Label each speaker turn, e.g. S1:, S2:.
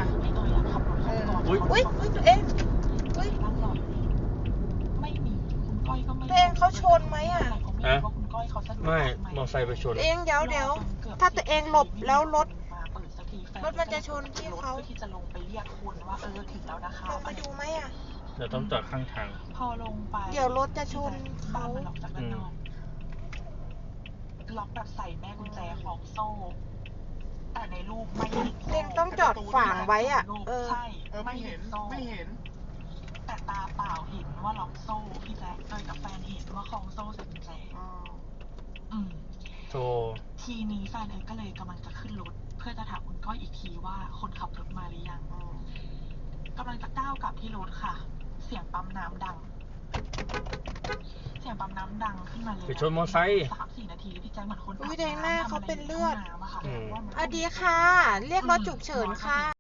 S1: พี่เตยอะขับรถเข้าก่อน
S2: อุ้ยตัวเองอุ้ย
S1: นั่งรออยู่ไม่มีคุณก้อยก็ไม่
S2: ตัวเองเขาชนไหมอ่ะ
S1: ฮะว่าคุณก้อยเขาสะดวก
S3: ไม่มอไซค์ไปชน
S2: ตัวเองเดี๋ยวถ้าตัวเองหลบแล้วรถมันจะชนที่เขา
S1: ที่จะลงไปเรียกคุณว่าถึงแล้วนะคะ
S2: ลงไปดูไหมอ่ะ
S3: เดี๋ยวต้องจอดข้างทาง
S1: พอลงไป
S2: เดี๋ยวรถจะชนเขา
S1: มันล็อกจากด้านนอกล็อกแบบใส่แม่กุญแจของโซ่ แต่ในรูปไม่เห็น
S2: เองต้องจอดขวางไว้อ่ะ
S1: ใช่ไม่เห็นโซ่แต่ตาเปล่าเห็นว่าล็อกโซ่พี่แจ๊คกับแฟนเห็นว่าคล้องโซ่ใส่กุญแจ
S3: โธ่
S1: ทีนี้แฟนก็เลยกำลังจะขึ้นรถเพื่อจะถามคุณก้อยอีกทีว่าคนขับรถมาหรือยังกำลังจะก้าวกลับที่รถค่ะ เสียงปั๊มน้ำดัง ขึ้นมาเลย
S3: ไปชนมอไซค์
S1: 3-4 นาทีพี่แจ๊คเหมือนคน
S2: อุ้ยแดงหน้าเขาเป็นเลือด
S1: น้ำอะค่ะ
S2: ดีค่ะ เรียกรถฉุกเฉินค่ะ